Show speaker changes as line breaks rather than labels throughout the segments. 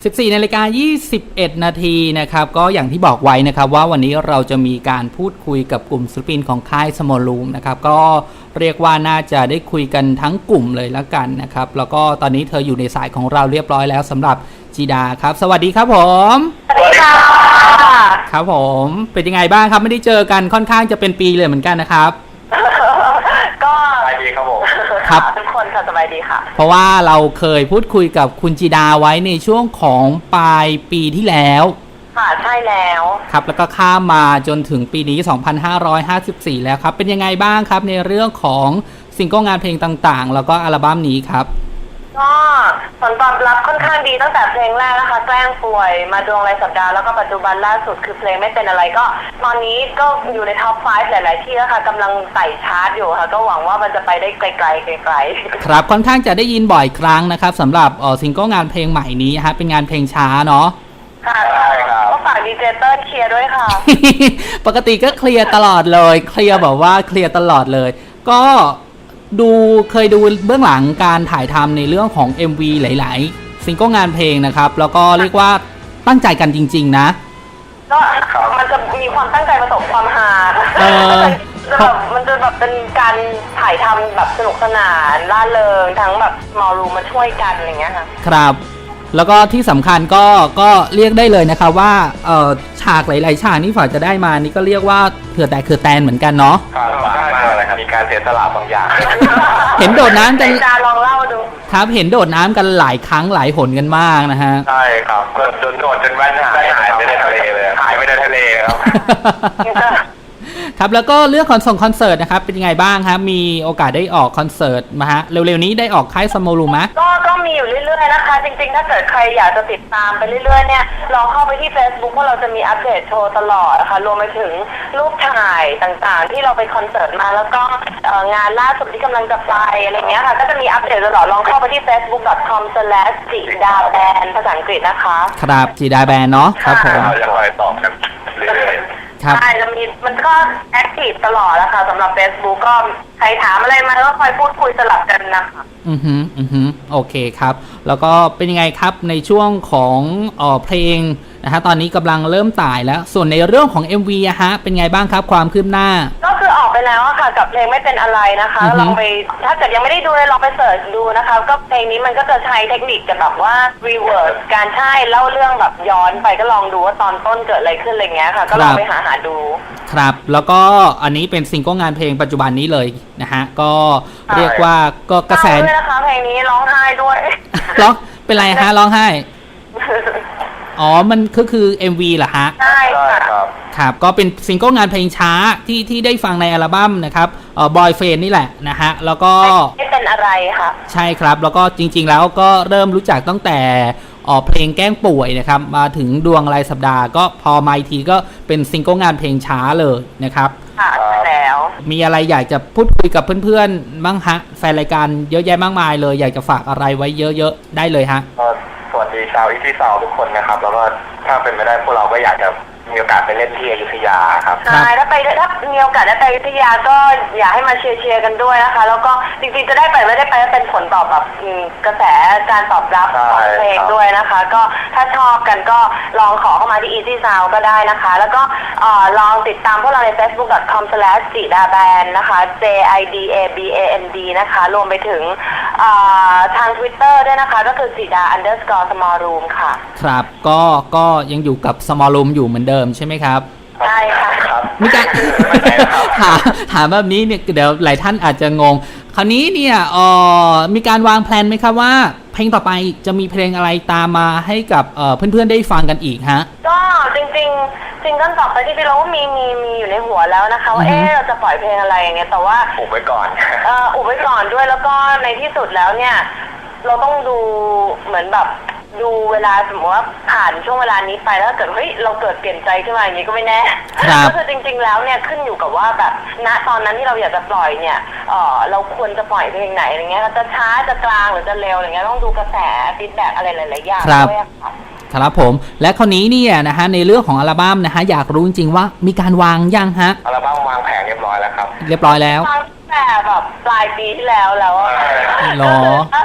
14:21 นาทีนะครับก็อย่างที่บอกไว้นะครับว่าวันนี้เราจะมีการพูดคุยกับกลุ่มศิลปินของค่าย Small Room นะครับก็เรียกว่าน่าจะได้คุยกันทั้งกลุ่มเลยแล้วกันนะครับแล้วก็ตอนนี้เธออยู่ในสายของเราเรียบร้อยแล้วสำหรับจีดาครับสวัสดีครับผม
สวัสดีค่ะ
ครับผมเป็นยังไงบ้างครับไม่ได้เจอกันค่อนข้างจะเป็นปีเลยเหมือนกันนะครับ
ก็
สบายดีครับผม
ครับ
ทุกคนค่ะสบายดีค่ะ
เพราะว่าเราเคยพูดคุยกับคุณจีดาไว้ในช่วงของปลายปีที่แล้ว
ค่ะใช่แล้ว
ครับแล้วก็ข้ามมาจนถึงปีนี้ 2554 แล้วครับเป็นยังไงบ้างครับในเรื่องของซิงเกิลงานเพลงต่างๆแล้วก็อัลบั้มนี้ครับ
ก็ผลตอบรับค่อนข้างดีตั้งแต่เพลงแรกนะคะแกล้งป่วยมาดวงรายสัปดาห์แล้วก็ปัจจุบันล่าสุดคือเพลงไม่เป็นอะไรก็ตอนนี้ก็อยู่ในท็อป 5 หลายๆที่แล้วค่ะกำลังไต่ชาร์ตอยู่ค่ะก็หวังว่ามันจะไปได้ไกลๆ
ครับค่อนข้างจะได้ยินบ่อยครั้งนะครับสำหรับซิงเกิลงานเพลงใหม่นี้ฮะเป็นงานเพลงช้าเนาะ
ค่ะใช่ครับก็ฝากดีเจเตอร์เคลียร์ด้วยค่ะ
ปกติก็เคลียร์ตลอดเลยเคลียร์แบบว่าเคลียร์ตลอดเลยก็เคยดูเบื้องหลังการถ่ายทำในเรื่องของ MV หลายๆซิงเกิลงานเพลงนะครับแล้วก็เรียกว่าตั้งใจกันจริงๆนะ
ก็มันจะมีความตั้งใจผสมความฮามันจะแบบเป็นการถ่ายทำแบบสนุกสนานร่าเริงทั้งแบบมอรูมาช่วยกันอะไรเงี้ยค่ะ
ครับแล้วก็ที่สำคัญก็เรียกได้เลยนะคะว่าฉากหลายๆฉากนี่ฝ่ายจะได้มานี่ก็เรียกว่าเผื่อแต่คือแตนเหมือนกันเนาะ
ครับได้มากเลยครับมีการเสียสละบางอย่าง
เห็นโดดน้ำกัน
ลองเล่าดู
ครับเห็นโดดน้ำกันหลายครั้งหลายหนกันมากนะฮะ
ใช่ครับโดดจนแว่นหายไปในทะเลเลยหายไปในทะเลครับ
ครับแล้วก็เรื่องคอนเสิร์ตนะครับเป็นยังไงบ้างครับมีโอกาสได้ออกคอนเสิร์ตมาฮะเร็วๆนี้ได้ออกค่าย Small Room มั้ย
ก็มีอยู่เรื่อยๆนะคะจริงๆถ้าเกิดใครอยากจะติดตามไปเรื่อยๆเนี่ยลองเข้าไปที่ Facebook เพราะเราจะมีอัปเดตโชว์ตลอดนะคะรวมไปถึงรูปถ่ายต่างๆที่เราไปคอนเสิร์ตมาแล้วก็งานล่าสุดที่กำลังจะไปอะไรเงี้ยค่ะก็จะมีอัปเดตตลอดลองเข้าไปที่ facebook.com/jidaband ภาษาอังกฤษนะคะ
ครับจีดาแบนเนาะครับผม
เราจะคอยตอบกันเรื่อยๆ
ใช่มันก็แอคทีฟตลอดแล้วค่ะสำหรับ Facebook ก็ใครถามอะไรมาก็คอยพูดคุยสลับกันนะคะ
โอเคครับแล้วก็เป็นยังไงครับในช่วงของเพลงนะฮะตอนนี้กำลังเริ่มต่ายแล้วส่วนในเรื่องของ MV อะฮะเป็นไงบ้างครับความคืบหน้า
ก็คือออกไปแล้วค่ะกับเพลงไม่เป็นอะไรนะคะลองไปถ้าเกิดยังไม่ได้ดูเลยลองไปเสิร์ชดูนะคะก็เพลงนี้มันก็จะใช้เทคนิคแบบว่า reverse การใช่เล่าเรื่องแบบย้อนไปก็ลองดูว่าตอนต้นเกิดอะไรขึ้นอะไรเงี้ยค่ะก็ลองไปหาดู
ครับแล้วก็อันนี้เป็นซิงเกิลงานเพลงปัจจุบันนี้เลยนะฮะก็เรียกว่าก็กระแส
ด้วยนะคะเพลงนี้ร้องไห้ด้วย
ร้องเป็นไรฮะร้องไห้อ๋อมันคือ MV เหรอฮะ
ใช่ค่ะ
ครับก็เป็นซิงเกิลงานเพลงช้าที่ได้ฟังในอัลบั้มนะครับBoyfriend นี่แหละนะฮะแล้วก็
ไม่เป็นอะไรค่ะ
ใช่ครับแล้วก็จริงๆแล้วก็เริ่มรู้จักตั้งแต่เพลงแกล้งป่วยนะครับมาถึงดวงรายสัปดาห์ก็พอมาอีกทีก็เป็นซิงเกิลงานเพลงช้าเลยนะครับ
ค่ะแล้ว
มีอะไรอยากจะพูดคุยกับเพื่อนๆบ้างฮะแฟนรายการเยอะแยะมากมายเลยอยากจะฝากอะไรไว้เยอะๆได้เลยฮะ
สวัสดีชาวอีที่สาวทุกคนนะครับแล้วก็ถ้าเป็นไม่ได้พวกเราก็อยากจะมีโอกาสไปเล่นที่อยุธยาครับ
ใช่ถ้ามีโอกาสได้ไปอยุธยาก็อยากให้มาเชียร์กันด้วยนะคะแล้วก็จริงๆจะได้ไปไม่ได้ไปก็เป็นผลตอบแบบกระแสการตอบรับของเพลงด้วยนะคะก็ถ้าชอบกันก็ลองขอเข้ามาที่ Easy Sound ก็ได้นะคะแล้วก็ลองติดตามพวกเราใน facebook.com/jidaband นะคะ JIDABAND นะคะรวมไปถึงทาง Twitter ด้วยนะคะก็คือ jida_small room ค่ะ
ครับก็ยังอยู่กับ Small Room อยู่เหมือนเดิมใช่ไหมครับ
ใช่ค่ะ
มีการถามแบบนี้เนี่ยเดี๋ยวหลายท่านอาจจะงงคราวนี้เนี่ยมีการวางแผนไหมครับว่าเพลงต่อไปจะมีเพลงอะไรตามมาให้กับเพื่อนๆได้ฟังกันอีกฮะ
ก็จริงๆซิงเกิลต่อไปที่เราก็มีอยู่ในหัวแล้วนะคะว่าเราจะปล่อยเพลงอะไรอย่างเงี้ยแต่ว่า
อุบไว้ก่อน
อุบไว้ก่อนด้วยแล้วก็ในที่สุดแล้วเนี่ยเราต้องดูเหมือนแบบดูเวลาสมมติว่าผ่านช่วงเวลานี้ไปแล้วเกิดเราเกิดเปลี่ยนใจขึ้นมาอย่างนี้ก็ไม่แน่ก็คือจริงๆแล้วเนี่ยขึ้นอยู่กับว่าแบบณตอนนั้นที่เราอยากจะปล่อยเนี่ยเราควรจะปล่อยเพลงไหนอะไรเงี้ยจะช้าจะกลางหรือจะเร็วอะไรเงี้ยต้องดูกระแสฟีดแบ็กอะไรหลายๆอย่างด้วยค่ะ
ครับผมและคราวนี้เนี่ยนะฮะในเรื่องของอัลบั้มนะฮะอยากรู้จริงๆว่ามีการวางยังฮะ
อัลบั้มวางแผงเรียบร้อยแล้วครับ
เรียบร้อยแล้ว
แต่แบบปลายปีที่แล้ว
หรอ
อาจ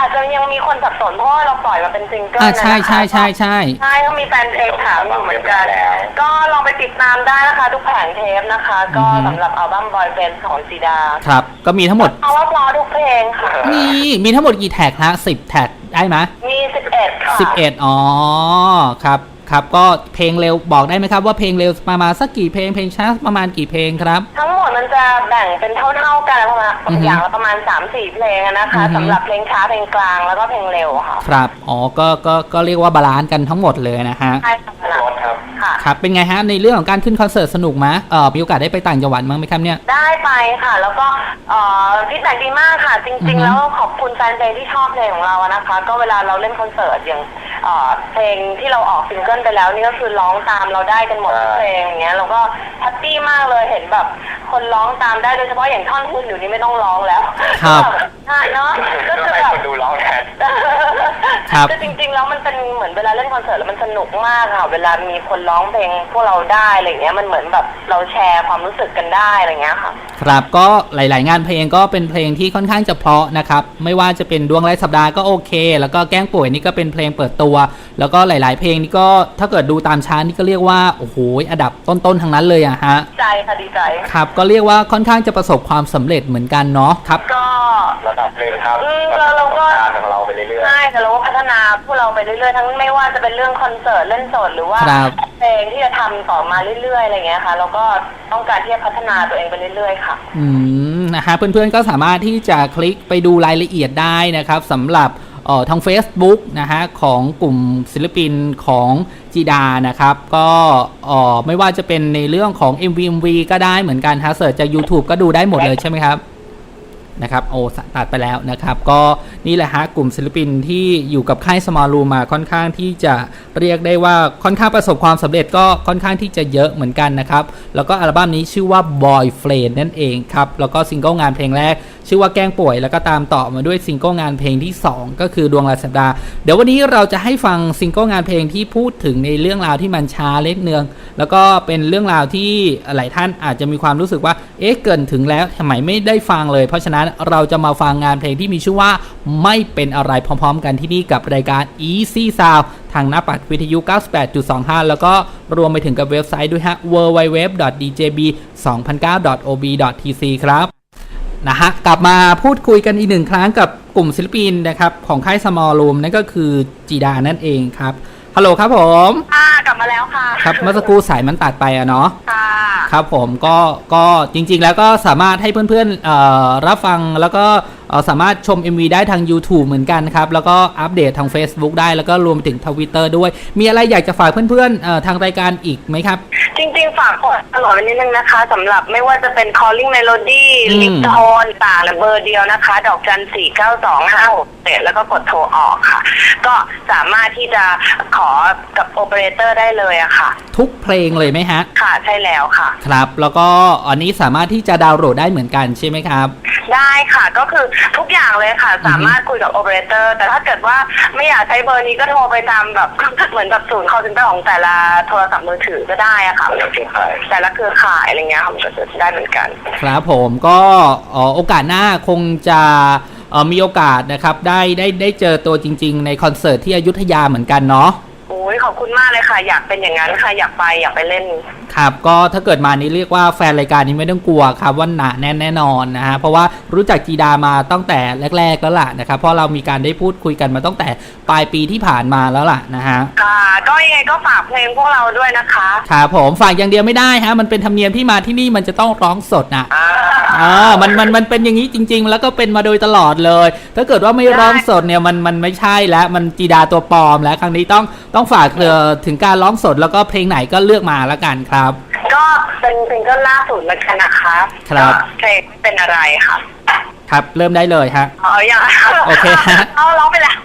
จจะยังมีคนสับสนเพราะว่าเราปล่อยมาเป็นซิงเกิลนะคะ
ใช่
ก็มีแฟนเพลงถามอยู่เหมือนกันก็ลองไปติดตามได้นะคะทุกแผงเทปนะคะก็สำหรับอัลบั้ม Boy Friend ของจีดา
ครับก็มีทั้งหมด
เพราะว่าเพราะทุกเพลงค่ะ
มีทั้งหมดกี่แท็กฮะ10แท็กได้ไหม
มี11ค่ะ
11อ๋อครับก็เพลงเร็วบอกได้ไหมครับว่าเพลงเร็วประมาณสักกี่เพลงเพลงช้าประมาณกี่เพลงครับ
ทั้งหมดมันจะแบ่งเป็นเท่าๆกันประมาณอย่างละประมาณ 3-4 เพลงนะคะสำหรับเพลงช้าเพลงกลางแล้วก็เพลงเร็วค่ะ
ครับอ๋อก็เรียกว่าบาลานซ์กันทั้งหมดเลยนะฮะ
ใช่ครับ
ครับเป็นไงฮะในเรื่องของการขึ้นคอนเสิร์ตสนุกไหมมีโอกาสได้ไปต่างจังหวัดมั้งไหมครับเนี่ย
ได้ไปค่ะแล้วก็ฟีดแบ็กดีมากค่ะจริงๆแล้วขอบคุณแฟนเพลงที่ชอบเพลงของเรานะคะก็เวลาเราเล่นคอนเสิร์ตอย่างเพลงที่เราออกซิงเกิลไปแล้วนี่ก็คือร้องตามเราได้กันหมดทุกเพลงอย่างเงี้ยเราก็แฮปปี้มากเลยเห็นแบบคนร้องตามได้โดยเฉพาะอย่างท่อนฮุกอยู่นี่ไม่ต้องร้องแล้ว
ครับ
เนาะก็คือแบบ
ดูร้องแทน
คือจริงๆแล้วมันเป็นเหมือนเวลาเล่นคอนเสิร์ตแล้วมันสนุกมากค่ะเวลามีคนร้องเพลงพวกเราได้อะไรเงี้ยมันเหมือนแบบเราแชร์ความรู้สึกกันได้อะไรเงี้ยค่ะ
ครับก็หลายๆงานเพลงก็เป็นเพลงที่ค่อนข้างจะเพราะนะครับไม่ว่าจะเป็นดวงไร้สัปดาห์ก็โอเคแล้วก็แกล้งป่วยนี่ก็เป็นเพลงเปิดตัวแล้วก็หลายๆเพลงนี่ก็ถ้าเกิดดูตามชาร์ตนี่ก็เรียกว่าโอ้โหอันดับต้นๆทั้งนั้นเลยอะฮะ
ใจค่ะดีใจ
ครับก็เรียกว่าค่อนข้างจะประสบความสำเร็จเหมือนกันเนาะครับ
ก็
ระดับเลยครับ
เราก็
ของเราไปเรื่อยๆ
ใช่แต่เราก็พัฒนาพวกเราไปเรื่อยๆทั้งไม่ว่าจะเป็นเรื่องคอนเสิร์ตเล่นสดหรือว่าเพลงที่จะทำต่อมาเรื่อยๆอะไรเงี้ยค่ะเราก็ต้องการที่จะพัฒนาตัวเองไปเรื่อยๆค่ะ
นะฮะเพื่อนๆก็สามารถที่จะคลิกไปดูรายละเอียดได้นะครับสำหรับทาง Facebook นะฮะของกลุ่มศิลปินของจีดานะครับก็ไม่ว่าจะเป็นในเรื่องของ MV ก็ได้เหมือนกันฮะเสิร์ชจาก YouTube ก็ดูได้หมดเลยใช่ไหมครับนะครับโอ้ตัดไปแล้วนะครับก็นี่แหละฮะกลุ่มศิลปินที่อยู่กับค่าย Small Room มาค่อนข้างที่จะเรียกได้ว่าค่อนข้างประสบความสำเร็จก็ค่อนข้างที่จะเยอะเหมือนกันนะครับแล้วก็อัลบั้มนี้ชื่อว่า Boy Friend นั่นเองครับแล้วก็ซิงเกิลงานเพลงแรกชื่อว่าแกล้งป่วยแล้วก็ตามต่อมาด้วยซิงเกิลงานเพลงที่2ก็คือดวงรายสัปดาห์เดี๋ยววันนี้เราจะให้ฟังซิงเกิลงานเพลงที่พูดถึงในเรื่องราวที่มันช้าเล็กเนืองแล้วก็เป็นเรื่องราวที่หลายท่านอาจจะมีความรู้สึกว่าเกินถึงแล้วทำไมไม่ได้ฟังเลยเพราะฉะนั้นเราจะมาฟังงานเพลงที่มีชื่อว่าไม่เป็นอะไรพร้อมๆกันที่นี่กับรายการ Easy Sound ทางหน้าปัดวิทยุ 98.25 แล้วก็รวมไปถึงกับเว็บไซต์ด้วยฮะ www.djb2009.ob.tc ครับนะฮะกลับมาพูดคุยกันอีกหนึ่งครั้งกับกลุ่มศิลปินนะครับของค่าย Small Room นั่นก็คือจีดานั่นเองครับฮัลโหลครับผม
กลับมาแล้วค่ะ
ครับเมื่อสักครู่สายมันตัดไปอะเนาะครับผมก็จริงๆแล้วก็สามารถให้เพื่อนๆรับฟังแล้วก็สามารถชม MV ได้ทาง YouTube เหมือนกันครับแล้วก็อัปเดตทาง Facebook ได้แล้วก็รวมถึง Twitter ด้วยมีอะไรอยากจะฝากเพื่อนๆทางรายการอีกไหมครับ
จริงๆฝากตลอดนิดนึงนะคะสำหรับไม่ว่าจะเป็น Calling Melody ลิปโทนต่างเบอร์เดียวนะคะดอกจัน 49256แล้วก็กดโทรออกค่ะก็สามารถที่จะขอกับโอเปอเรเตอร์ได้เลยอะค่ะ
ทุกเพลงเลยไหมฮะ
ค่ะใช่แล้วค่ะ
ครับแล้วก็อันนี้สามารถที่จะดาวน์โหลดได้เหมือนกันใช่ไหมครับ
ได้ค่ะก็คือทุกอย่างเลยค่ะสามารถคุยกับโอเปอเรเตอร์แต่ถ้าเกิดว่าไม่อยากใช้เบอร์นี้ก็โทรไปตามแบบเหมือนแบบศูนย์ call center ของแต่ละโทรศัพท์มือถือก็ได้อะค่ะแต่ละเครือข่ายอะไรเงี้ยมันก็จะได้เหมือนกัน
ครับผมก็โอกาสหน้าคงจะมีโอกาสนะครับได้เจอตัวจริงๆในคอนเสิร์ตที่อยุธยาเหมือนกันเนาะ
โอ้ยขอบคุณมากเลยค่ะอยากเป็นอย่างนั้นค่ะอยากไปเล่น
ครับก็ถ้าเกิดมานี้เรียกว่าแฟนรายการนี้ไม่ต้องกลัวครับว่าหนาแน่นแน่นอนนะฮะเพราะว่ารู้จักจีดามาตั้งแต่แรกๆแล้วล่ะนะครับเพราะเรามีการได้พูดคุยกันมาตั้งแต่ปลายปีที่ผ่านมาแล้วล่ะนะฮะ
ค่ะก็ยังไงก็ฝากเพลงพวกเราด้วยนะคะ
ครับผมฝากอย่างเดียวไม่ได้ฮะมันเป็นธรรมเนียมที่มาที่นี่มันจะต้องร้องสดนะมันเป็นอย่างนี้จริงๆแล้วก็เป็นมาโดยตลอดเลยถ้าเกิดว่าไม่ร้องสดเนี่ยมันไม่ใช่แล้วมันจีดาตัวปลอมแล้วครั้งนี้ต้องฝากถึงการร้องสดแล้วก็เพลงไหนก็เลือกมาแล้วกันครับ
ก็เป็นเพลงก็ล่าสุดแล้วกันนะคะ
ครับ
เพลงเป็นอะไรค่ะ
ครับเริ่มได้เลยฮะ
อย่าง
โอเคฮะ
ร้องไปแล้ว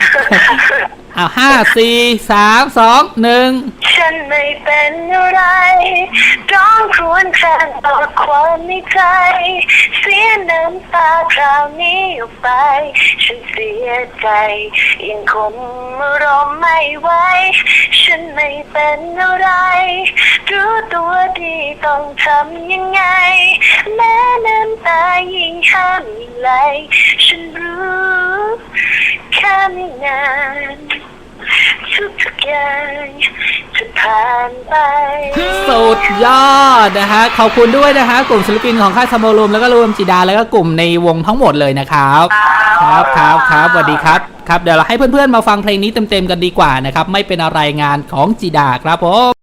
5 4 3 2 1
ฉันไม่เป็นอะไรร้องครวญแทนต่อความในใจเสียน้ำตาคราวนี้ออกไปฉันเสียใจยังคงอารมณ์ไม่ไหวฉันไม่เป็นอะไรรู้ตัวดีต้องทำยังไงแม้น้ำตายิ่งห้ามยิ่งไหลฉันรู้ไม่นานทุกอย่างจะผ่านไป
สุดยอดนะฮะขอบคุณด้วยนะฮะกลุ่มศิลปินของค่ายสโมรูมแล้วก็รวมจิดาแล้วก็กลุ่มในวงทั้งหมดเลยนะครับครับสวัสดีครับครับเดี๋ยวเราให้เพื่อนๆมาฟังเพลงนี้เต็มๆกันดีกว่านะครับไม่เป็นอะไรงานของจิดาครับผม